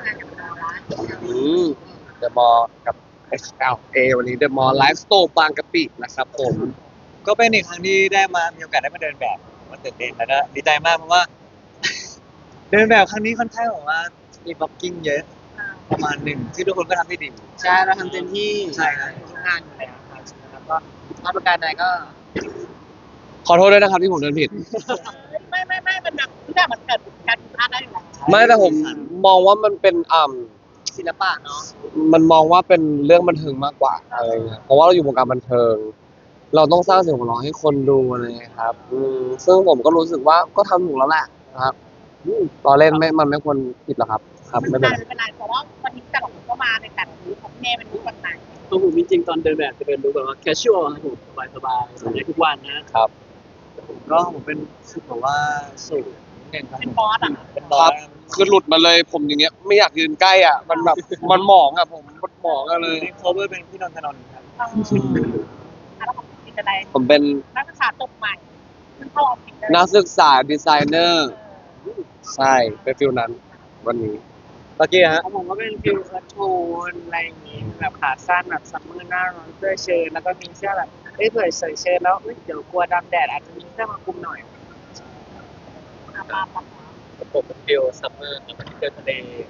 งานกับเราละเดอะมอลล์กับ SLA วันนี้เดอะมอลล์ไลฟ์สโตร์บางกะปินะครับผมก็เป็นอีกครั้งที่ได้มามีโอกาสได้มาเดินแบบผมก็ตื่นเต้นแล้วก็ดีใจมากเพราะว่า เดินแบบครั้งนี้ค่อนข้างแบบว่ามีบล็อกกิ้งเยอะประมาณหนึ่งที่ทุกคนก็ทำได้ดีใช่เราทำเต็มที่ใช่ครับทุกงานอยู่แล้วครับแล้วก็มาประการใดก็ขอโทษด้วยนะครับที่ผมเดินผิดไม่มันแบบทุกอย่างมันเกิดการผิดพลาดได้อยู่แล้วไม่แต่ผมมองว่ามันเป็นศิลปะเนาะมันมองว่าเป็นเรื่องบันเทิงมากกว่าอะไรเงี้ยเพราะว่าเราอยู่วงการบันเทิง เราต้องสร้างเสียงหัวเราะให้คนดูอะไรเงี้ยครับซึ่งผมก็รู้สึกว่าก็ทำถูกแล้วแหละนะครับตอนเล่นไม่มันไม่ควรผิดหรอกครับครับไม่เป็นไรไม่เป็นไรเพราะว่าวันนี้แต่ละคนก็มาในแต่ละลุคของเน่เป็นลุควันไหนของผมจริงๆตอนเดินแบบจะเป็นรู้แบบว่า casual ครับผมสบายๆใส่ได้ทุกวันนะครับผมเป็นรู้สึกแบบว่าสูงนิดนึงครับเป็นบอสอ่ะเป็นคบอรัสบคือหลุดมาเลยผมอย่างเงี้ยไม่อยากยืนใกล้อ่ะมันแบบมันหมองอ่ะผมมันหมองอะเลยนี่ cover เป็นพี่นนทนนท์ครับแล้วของจริงอะไรผมเป็นนักศึกษาจบใหม่เพิ่งเข้าออฟฟิศเลยนักศึกษาดีไซเนอร์ใช่เป็นฟิลนั้นวันนี้ตะกี้ฮะของผมก็เป็นฟิลคัทโทนอะไรอย่างงี้แบบขาสั้นแบบซัมเมอร์หน้าร้อนเสื้อเชิ้ตแล้วก็มีเสื้อแบบเผื่อใส่เชิ้ตแล้วเดี๋ยวกลัวดำแดดอาจจะมีเสื้อมาคลุมหน่อยมาผมเป็นฟิลซัมเมอร์ครับเที่ยวทะเล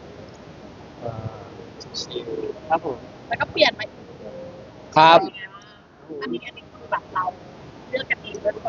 ชิลๆครับผมแล้วก็เปลี่ยนมาอีกครับอันนี้คือแบบเราเลือกกันเองด้วยทุกคน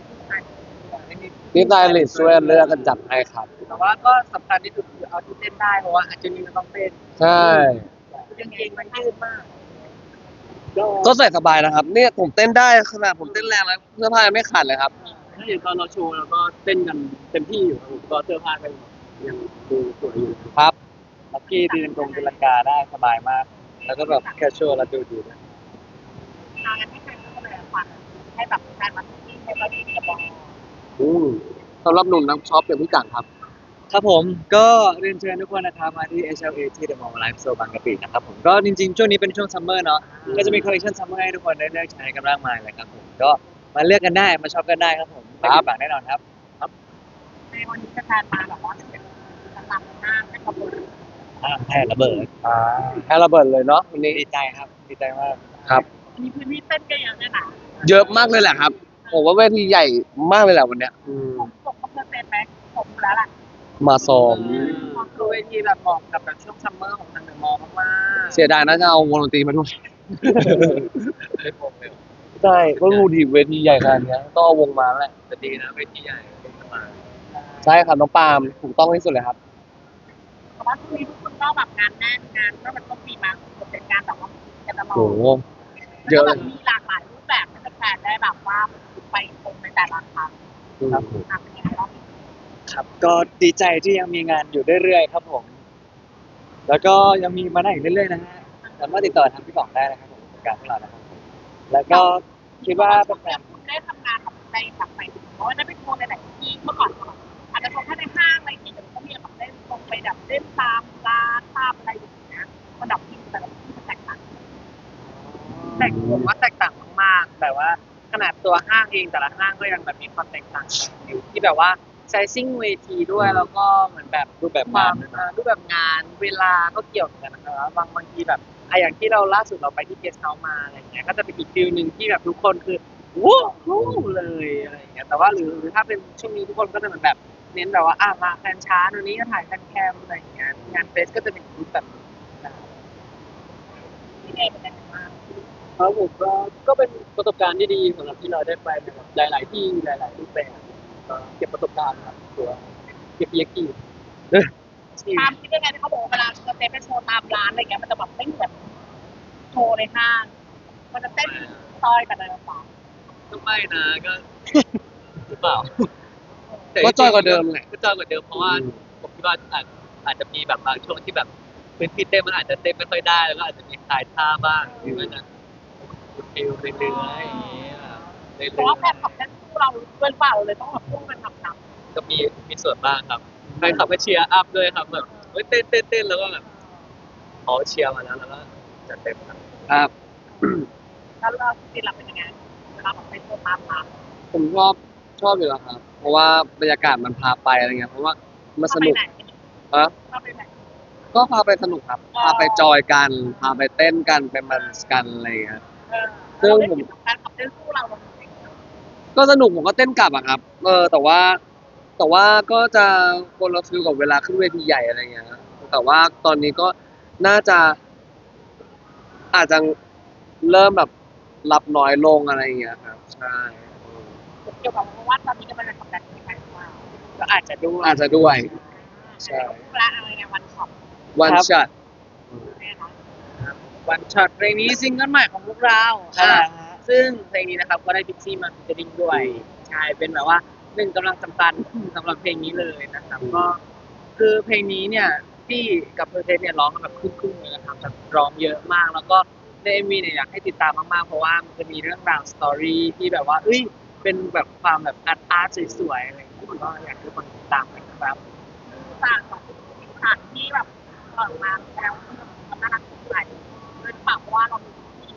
นี่ไดริสช่วยเลือกกันจัดให้ครับแต่ว่าก็สำคัญที่สุดคือเอาที่เต้นได้เพราะว่าอาจจะมีมันต้องเต้นใช่กางเกงมันยืดมากก็ใส่สบายนะครับเนี่ยผมเต้นได้ขนาดผมเต้นแรงแล้วเสื้อผ้ายังไม่ขาดเลยครับถ้าอย่างตอนเราโชว์เราก็เต้นกันเต็มที่อยู่ครับผมก็เสื้อผ้าก็ยังดูสวยอยู่ครับลักกี้ตีตีลังกาได้สบายมาก แล้วก็แบบ casual แล้วดูดีด้วยทางกันให้ใครก็เลยฟังให้แบบการมาที่ให้เราดีกับบอลสำหรับหนุ่มนักช็อปอย่างพี่จังครับครับผมก็เรียนเชิญทุกคนนะครับมาที่ HLA ที่ The Mall Life Store บางกะปินะครับผมก็จริงๆช่วงนี้เป็นช่วงซัมเมอร์เนาะก็จะมีคอลเลคชันซัมเมอร์ให้ทุกคนได้เลือกใช้กันมากมายเลยครับผมก็มาเลือกกันได้มาช็อปกันได้ครับผมไม่ผิดหวังแน่นอนครับในวันนี้จะแทนมาแบบว่าเป็นตลาดหน้าให้ขบวนแพ้ระเบิดให้ระเบิดเลยเนาะวันนี้ดีใจครับดีใจมากครับอันนี้พื้นที่เต้นก็ยังได้หนาเยอะมากเลยแหละครับผมว่าเวทีใหญ่มากเลยแหละวันเนี้ยผมก็เพื่อเต้นไหมผมแล้วล่ะมาซ้อมคือเวทีแบบเหมาะกับแบบช่วงซัมเมอร์ของทางเดอะมอลล์มากเสียดายนะจะเอาวงดนตรีมาด้วยไม่พงเลยใช่ก็รูดีเวทีใหญ่ขนาดเนี้ยต้องเอาวงมาแหละแต่ดีนะเวทีใหญ่สบายใช่ครับน้องปาล์มถูกต้องที่สุดเลยครับเพราะว่าช่วงนี้ทุกคนก็แบบงานแน่นงานก็มันต้องมีมาเป็นการแบบว่ากันตลอดโหเยอะแบเลบยมีหลากหลายรูปแบบให้แฟนได้แบบว่าไปชมในแต่ละครั้งครับเป็นยังไงบ้างครับก็ดีใจที่ยังมีงานอยู่เรื่อยๆครับผม แล้วก็ยังมีมาได้อีกเรื่อยๆนะฮะสามารถติดต่อทางพี่กล่องได้นะครับผมประการพวกเรานะครับแล้วก็คิดว่าเป็นแฟนคุณได้ทำงานกับในแบบไปเพราะว่าได้ไปโชว์ในหลายที่เมื่อก่อนอาจจะโชว์แค่ในห้างอะไรอย่างเงี้ยแต่ก็มีแบบได้ลงไปแบบเล่นตามร้านตามอะไรอย่างเงี้ยมันดับที่แต่ละที่มันแตกต่างแต่ผมว่าแตกต่างมากๆแต่ว่าขนาดตัวห้างเองแต่ละห้างก็ยังแบบมีความแตกต่างกันอยู่ที่แบบว่าไซซิ่งเวทีด้วยแล้วก็เหมือนแบบรูปแบบควางาม นด้วยนะรูปแบบงานเวลาก็เกี่ยวกันนะครับบางทีแบบอย่างที่เราล่าสุดเราไปที่เกสต์เฮาส์มาอะไรเงี้ยก็จะเป็นอีกฟิลหนึ่งที่แบบทุกคนคือว้าวเลยอะไรอย่างเงี้ยแต่ว่าหรือถ้าเป็นช่วงนี้ทุกคนก็จะเหมือนแบบเน้นแบบว่ามาแฟนช้าวันนี้ก็ถ่ายแฟนแคมอะไรอย่างเงี้ยงานเฟสก็จะเป็นรูปแบบนี้ที่เองเป็นยังไงบ้างครับผมก็เป็นประสบการณ์ที่ดีสำหรับที่เราได้ไปแบบหลาย ๆ ที่หลาย ๆ รูปแบบเก็บประสบการณ์ครับตัวเก็บเยกีตามที่ยังไงที่เขาบอกเวลาจะเต้นไปโชว์ตามร้านอะไรเงี้ยมันจะแบบไม่เหมือนโชว์ในห้างมันจะเต้นซอยกันเลยหรือเปล่าก็ไม่นะก็หรือเปล่าก็จอยกว่าเดิมแหละก็จอยกว่าเดิมเพราะว่าผมคิดว่าอาจจะมีแบบบางช่วงที่แบบพื้นที่เต้นมันอาจจะเต้นไม่ค่อยได้แล้วก็อาจจะมีคลายท่าบ้างที่มันจะฟิลเรื่อยๆอย่างเงี้ยเรื่อยเพราะว่าแฟนขับเต้นคู่เราด้วยเปล่าเลยต้องแบบคู่กันหนักๆก็มีส่วนบ้างครับแฟนคลับก็เชียร์อัพด้วยครับแบบเฮ้ยเต้นแล้วก็แบบเขาเชียร์มาแล้วก็จัดเต็มครับครับๆแล้วเราจริงๆเราเป็นยังไงเวลาแบบไปโชว์ตามร้านผมชอบอยู่แล้วครับ เพราะว่าบรรยากาศมันพาไปอะไรเงี้ยเพราะว่ามันสนุกไหนฮะเราไปไหนก็ก็พาไปสนุกครับพาไปจอยกันพาไปเต้นกันไปมันกันอะไรอย่างเงี้ยซึ่งผมการขับเต้นสู้เราจริงก็สนุกผมก็เต้นกลับอะครับแต่ว่าก็จะคนละฟิลกับเวลาขึ้นเวทีใหญ่อะไรเงี้ยแต่ว่าตอนนี้ก็น่าจะอาจจะเริ่มแบบรับน้อยลงอะไรเงี้ยครับใช่เกี่ยวกับว่าตอนนี้กำลังจะทำการแข่งขันว่าก็อาจจะดูอาจจะด้วยใช่ละอะไรเงี้ยวันช็อปวันช็อตเนี่ยนะวันช็อตเพลงนี้ซิงเกิลใหม่ของพวกเราครับซึ่งเพลงนี้นะครับก็ได้พิกซี่มาฟีเจอริ่งด้วยใช่เป็นแบบว่าหนึ่งกำลังสำคัญสำหรับเพลงนี้เลยนะครับก็คือเพลงนี้เนี่ยพี่กับเพอร์เทสเนี่ยร้องกันแบบครึ่งๆเลยนะครับแบบร้องเยอะมาก แล้วก็ในเอ็มวีเนี่ยอยากให้ติดตามมากๆเพราะว่ามันจะมีเรื่องราวสตอรี่ที่แบบว่าเอ้ยเป็นแบบความแบบอาร์ตสวยๆอะไรอย่างเงี้ยก็อยากให้ทุกคนติดตามกันครับต่างของฉากที่แบบออกมาแล้วมันน่ารักสดใสด้วยเปล่าเพราะว่าเรามี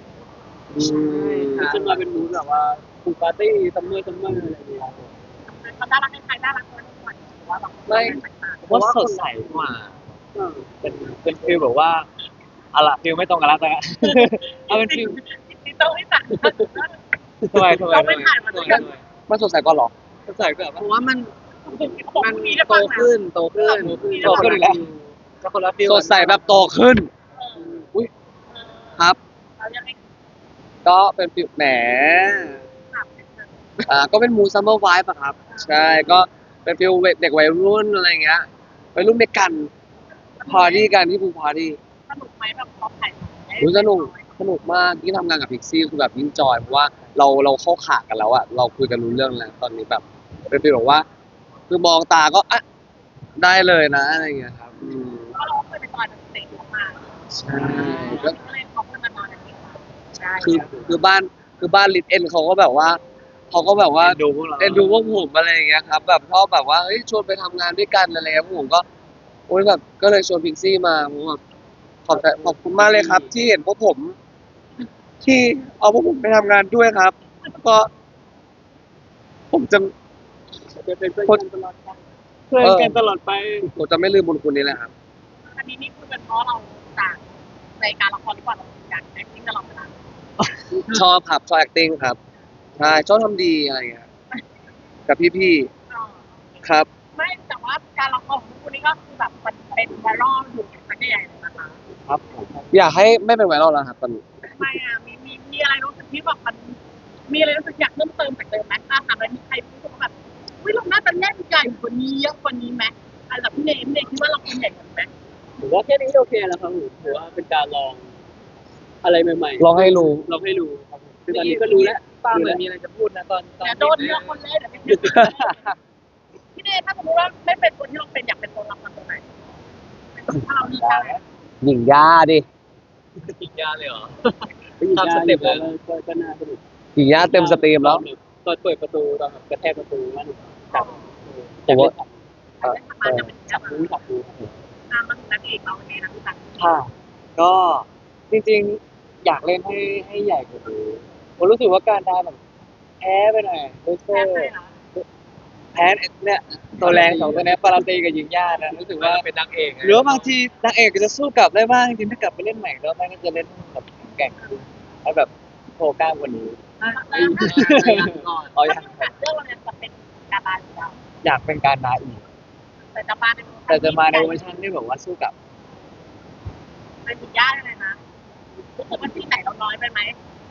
มันจะมาเป็นมูดแบบว่าฟูปาร์ตี้ซัมเมอร์อะไรอย่างเงี้ยมันน่ารักในไทยน่ารักเลยทุกคนว่าแบบผมว่าสดใสกว่าเป็นฟิลแบบว่าอะล่ะฟิลไม่ตรงกันแล้วแต่ เอาเป็นฟิลที่ต้องไม่สั่งทำไมเราไม่ถ่ายมาด้วยกันมันสดใสกว่าหรอสดใสกว่าเพราะว่ามันเขาบอกมันมีได้โตฟังนะขึ้นโตขึ้นโตขึ้นอีกแล้วจะคนละฟิลสดใสแบบโตขึ้นอุ้ยครับเรายังไม่ก็เป็นฟิลแหมถามก็เป็นมูซัมเมอร์ไวฟ์อะครับ ใช่ก็เป็นฟิลเด็กวัยรุ่นอะไรเงี้ยวัยรุ่นเด็กกันพาร์ตี้กันที่ภูพาร์ตี้สนุกไหมแบบพอถ่ายสนุกมากที่งทำงานกับพิกซี่คือแบบยิ่งจอยเพราะว่าเราเข้าขากันแล้วอะเราคุยกันรู้เรื่องแล้วตอนนี้แบบเป็นฟีลแบบว่า คือมองตาก็อ่ะได้เลยนะอะไรเงี้ยครับเพราะเราเคยไปตอนเด็กมากใช่ก็ก็เลยเขาเพิ่งมานอนกันเองใช่คือบ้านลิทเอ็นเขาก็แบบว่าดูพวกเราเอ็นดูพวกผมอะไรอย่างเงี้ยครับแบบชอบแบบว่าเฮ้ยชวนไปทำงานด้วยกันอะไรเงี้ยพวกผมก็โอ้ยแบบก็เลยชวนพิกซี่มาผมแบบขอบคุณมากเลยครับ ที่เห็นพวกผม ที่เอาพวกผมไปทำงานด้วยครับก็ผมจะจะเป็นเพื่อนกันตลอดไปเพื่อนกันตลอดไปผมจะไม่ลืมบุญคุณนี้แหละครับอันนี้นี่คือเป็นเพราะเราจากในการละครหรือเปล่าเราอยาก acting ตลอดเวลาชอบครับชอบ acting ครับใช่ชอบทำดีอะไรเงี้ยกับพี่ๆครับไม่แต่ว่าการละครของคุณนี่ก็คือแบบมันเป็นไวรัลอยู่สักใหญ่เลยนะคะครับผมอยากให้ไม่เป็นไวรัลแล้วครับตอนนี้ไม่อ่ะมีอะไรรู้สึกที่แบบมันมีอะไรรู้สึกอยากเพิ่มเติมจากเดิมไหมถ้าถามแล้วมีใครรู้สึกว่าแบบวิเราน่าจะเล่นใหญ่กว่านี้เยอะกว่านี้ไหมอันดับพี่เนมคิดว่าเราควรใหญ่กว่านี้ไหมผมว่าแค่นี้โอเคแล้วครับผมถือว่าเป็นการลองอะไรใหม่ๆลองให้รู้ลองให้รู้ครับผมคือตอนนี้ก็รู้แล้วป้าเหมือนมีอะไรจะพูดนะตอนเดี๋ยวโดนเลือกคนเล่นเดี๋ยวไม่พี่เนถ้าสมมติว่าไม่เป็นตัวที่เราเป็นอยากเป็นตัวละครตัวไหนถ้าเราเลือกได้หญิงย่าดิอีกยาเลยเหรอตามสเต็ปเลยก็น่าสนุกหญิงย่าเต็มสตรีมแล้วตอนเปิดประตูตอนแบบกระแทกประตูนั่นผมว่าได้ทำงานจะเป็นจัจับบ มือจับมือตามมาถึงนั้นเองเราเป็นไงนะพี่ตั๊กค่ะก็จริงๆอยากเล่นให้ใหญ่กว่านี้ผมรู้สึกว่าการดาแบบแพ้ไปหน่อยรู้สึกแค่ไหนนะแพ้เนี่ยตัวแรงสองตัวเนี้ยปาราตีกับยิงย่านะรู้สึกว่าเป็นนางเอกหรือว่าบางทีนางเอกก็จะสู้กลับได้บ้างจริงๆถ้ากลับไปเล่นใหม่แล้วแม่งก็จะเล่นแบบแข็งขึ้นแล้วแบบโชว์กล้ามกว่านี้ก่อนอ๋อถ้าเป็นเรื่องเราจะเป็นการบานหรือเปล่าอยากเป็นการดาอีกแต่จะมาในแต่จะมาในเวอร์ชันที่แบบว่าสู้กับเป็นมียากเลยนะรู้สึกว่าที่ไหนเราน้อยไปไหม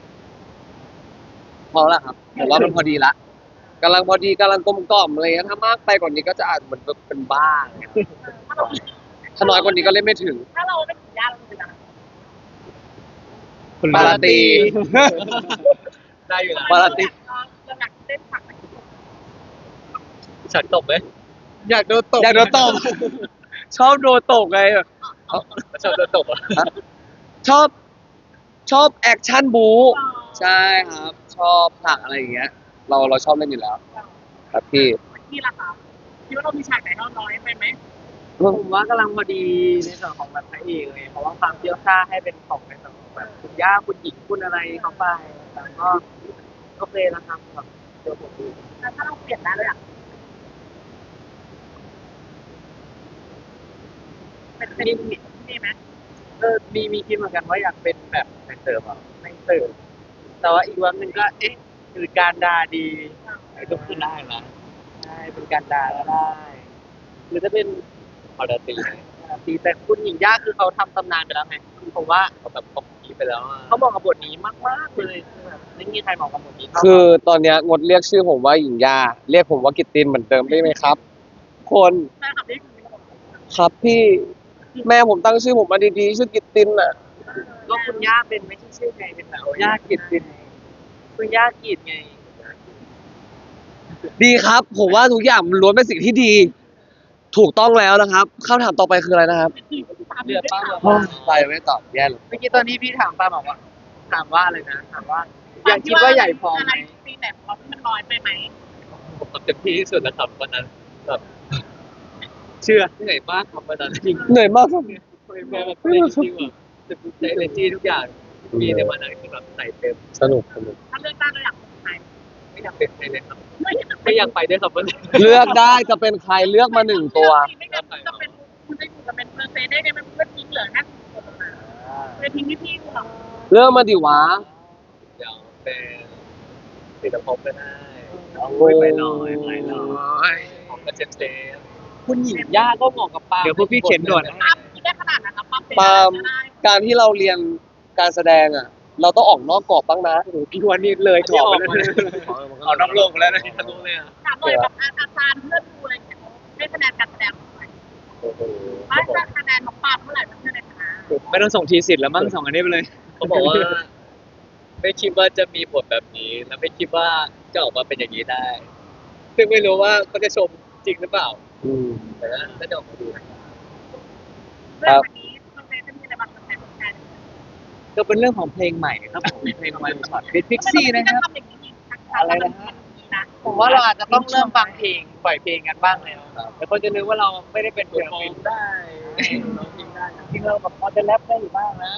พอแล้วครับผมว่ามันพอดีละกำลังพอดีกำลังกลมกล่อมอะไรเงี้ยถ้ามากไปกว่านี้ก็จะอาจเหมือนเป็นบ้าอะไรเงี้ยถ้าเราถ้าน้อยกว่านี้ก็เล่นไม่ถึงถ้าเราเป็นมียากเราเป็นอะไรปาราตีได้อยู่นะปาราตีเราอยากเล่นผักฉากตบไหมอยากโดนตบชอบโดนตบไงชอบโดนตบอ่ะชอบแอคชั่นบู๊ใช่ครับ ชอบผลักอะไรอย่างเงี้ย เราชอบเล่นอยู่แล้ว ครับพี่ที่ละค่ะคิดว่าเรามีฉากไหนเราน้อยไปไหมผมว่ากำลังพอดีในส่วนของแบบพระเอกเลยเพราะว่าความเชี่ยวชาญให้เป็นของในส่วนของแบบคุณย่าคุณหญิงคุณอะไรเข้าไปแต่ก็โอเคแล้วครับแบบตัวผมเองแล้วถ้าเราเปลี่ยนได้เลยอ่ะเป็นมีไหมมีคิดเหมือนกันว่าอยากเป็นแบบในเสิร์ฟอ่ะในเสิร์ฟแต่ว่าอีกวันหนึ่งก็คือการดาดีก็คือได้นะใช่เป็นการดาก็ได้หรือจะเป็นพอดตีไหมตีแต่คุณหญิงย่าคือเขาทำตำนานไปแล้วไงผมว่าเขาแบบเขาผีไปแล้วอะเขาเหมาะกับบทนี้มากๆเลยคือแบบไม่มีใครเหมาะกับบทนี้เท่าคือตอนเนี้ยงดเรียกชื่อผมว่าหญิงยาเรียกผมว่ากิตตินเหมือนเดิมได้ไหมครับ คนแฟนคลับนี่คือครับพี่แม่ผมตั้งชื่อผมมาดีๆชื่อกิตตินอ่ะก็คุณย่าเป็นไม่ใช่ชื่อไงเป็นแบบย่ากิจเป็นคุณย่ากิจไงดีครับ ผมว่าทุกอย่างมันล้วนเป็นสิ่งที่ดี ถูกต้องแล้วนะครับคำถามต่อไปคืออะไรนะครับเดือดป้าโอ้ยไปไม่ตอบแย่เลยเมื่อกี้ตอนนี้พี่ถามป้าบอกว่าถามว่าอะไรนะถามว่ายังคิดว่าใหญ่พออะไหไรมตีแต่พอที่มันน้อยไปไหมผมทำเต็มที่ที่สุดแล้วครับวันนั้นแบบเชื่อเหนื่อยมากครับวันนั้นจริงเหนื่อยมากครับแบบในจริงแบบในเอเนจีทุกอย่างมีในวันนั้นคือแบบใส่เต็มสนุกถ้าเลือกได้ก็อยากเป็นใครไม่อยากเป็นใครเลยครับไม่อยากไม่อยากไปด้วยครับวันนี้เลือกได้จะเป็นใครเลือกมาหนึ่งตัวไม่งั้นจะเป็นคุณจะอยู่กับเป็นเปอร์เซ็นต์ได้ไงมันก็ทิ้งเหลือแค่คนมาไปทิ้งพี่ๆเราเลือกมาดิวะเดี๋ยวเป็นติดภพก็ได้โอ้ยไปลอยของกระเจนเจนคุณหญิงย่าก็เหมาะกับป้าเดี๋ยวพวกพี่เขียนด่วนปั๊บคิดได้ขนาดนั้นนะปั๊บเป็นปาล์มได้การที่เราเรียนการแสดงอ่ะ เราต้องออกนอกกรอบบ้างนะพี่วันนี้เลยกรอบไปเลยเอาน้ำลงแล้วนะทะลุเลยอ่ะถามเลยแบบอาจารย์เพื่อนดูอะไรอย่างเงี้ยให้คะแนนการแสดงเท่าไหร่โอ้โหว่าจะคะแนนของปั๊บเท่าไหร่เพื่อนในคณะไม่ต้องส่งทีสิทธิ์แล้วมั้งส่งอันนี้ไปเลยเขาบอกว่า ไม่คิดว่าจะมีบทแบบนี้ และไม่คิดว่าจะออกมาเป็นอย่างนี้ได้ ซึ่งไม่รู้ว่าเขาจะชมจริงหรือเปล่าอืมแต่น่าจะออกมาดูนะเรื่องวันนี้เปอร์เซ็นต์จะมีอะไรบ้างเปอร์เซ็นต์ของการก็เป็นเรื่องของเพลงใหม่ครับผมเพลงวันช็อตฟิตพิกซี่นะครับอะไรนะผมว่าเราอาจจะต้องเริ่มฟังเพลงปล่อยเพลงกันบ้างแล้วแต่คนจะนึกว่าเราไม่ได้เป็นเพลงได้ร้องเพลงได้จริงเราแบบพอจะแรปได้อยู่บ้างนะ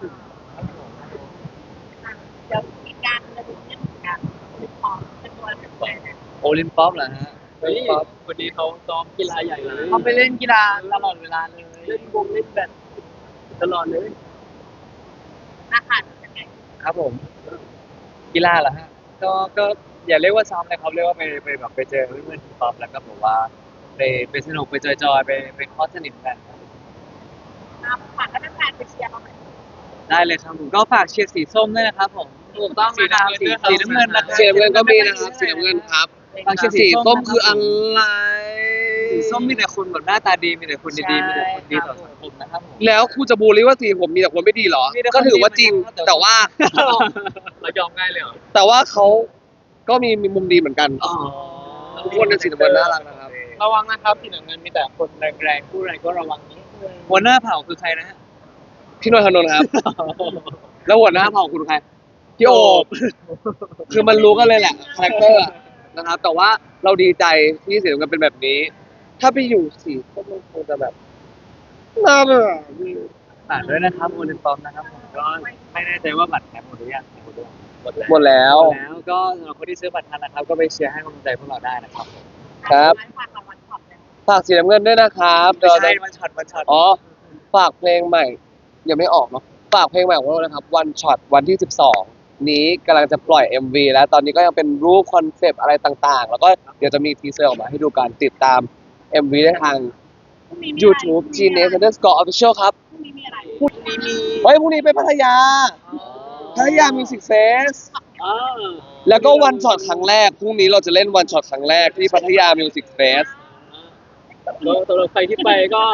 เดี๋ยวมีการจะดูเรื่องการเป็นพอเป็นตัวเป็นตัวนะโอลิมปัสเหรอฮะโอลิมปัสวันนี้เขาซ้อมกีฬาใหญ่เลยเขาไปเล่นกีฬาตลอดเวลาเลยเล่นวงเล่นแบดตลอดเลยอาหารเป็นไงครับผมกีฬาเหรอฮะก็อย่าเรียกว่าซ้อมเลยครับเรียกว่าไปแบบไปเจอเพื่อนๆทีป๊อปแล้วก็บอกว่าไปสนุกไปจอยๆไปคอสสนิทกันครับฝากให้แฟนๆไปเชียร์เราหน่อยได้เลยครับผมก็ฝากเชียร์สีส้มด้วยนะครับผมถูกต้องนะครับสีน้ำเงินนะครับสีน้ำเงินก็มีนะครับสีน้ำเงินครับฝากเชียร์สีสีส้ส้มมคืคือ ออะอะไรไรสีส้มมีแต่คนแบบหน้าตาดีมีแต่คนดีๆมีแต่คนดีต่อสังคมนะครับผมแล้วครูจะบูลลี่ว่าสีผมมีแต่คนไม่ดีเหรอมีแต่คนก็ถือว่าจริงดีนะครับแต่ว่าเรายอมง่ายเลยเหรอแต่ว่าเขาก็มีมุมดีเหมือนกัน ทุกคนในสีน้ำเงินน่ารักนะครับระวังนะครับสีน้ำเงินมีแต่คนแรงๆพูดอะไรก็ระวังนิดนึงหัวหน้าเผ่าคือใครนะฮะพี่นนทนนท์ครับ แล้วหัวหน้าเผ่าคุณใครพี่โอบ คือมันรู้กันเลยแหละคาแรคเตอร์นะครับ แต่ว่าเราดีใจที่สีน้ำเงินเป็นแบบนี้ ถ้าไปอยู่สีส้มมันคงจะแบบน่าเบื่อฝากด้วยนะครับโอลิมปัสนะครับผมก็ไม่แน่ใจว่าบัตรแถมหมดหรือยังหมดแล้วหมดแล้วแล้วก็สำหรับคนที่ซื้อบัตรทันนะครับ ก็ไปเชียร์ให้กำลังใจพวกเราได้นะครับครับฝากรางวัลขอบเลยฝากสีน้ำเงินด้วยนะครับไม่เราใช่จะมันช็อตมันช็อตอ๋อ ฝากเพลงใหม่ ยังไม่ออกเนาะ ฝากเพลงใหม่ของเรานะครับวันช็อตวันที่ 12 นี้กำลังจะปล่อย MV แล้วตอนนี้ก็ยังเป็นรูปคอนเซปต์อะไรต่างๆ แล้วก็เดี๋ยวจะมีทีเซอร์ออกมาให้ดูกันติดตาม MV ได้ทาง YouTube Genius Underscore Official ครับพรุ่งนี้มีอะไรพรุ่งนี้มีเฮ้ยพรุ่งนี้ไปพัทยา พัทยา Music Fest อ่าแล้วก็วันช็อตครั้งแรก พรุ่งนี้เราจะเล่นวันช็อตครั้งแรกที่พัทยา Music Fest แล้วสำหรับใครที่ไปก็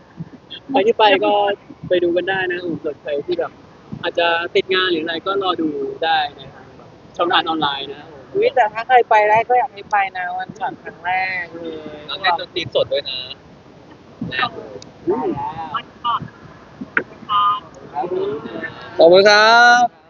ไปดูกันได้นะส่วนใครที่แบบ อาจจะติดงานหรืออะไรก็รอดูได้ในทางแบบช่องทางออนไลน์นะวิแต่ถ้าใครไปได้ก็อยากให้ไปนะวันช็อตครั้งแรกเลยแล้วเล่นดนตรีสดด้วยนะได้แล้ววันก่อนขอบคุณครับ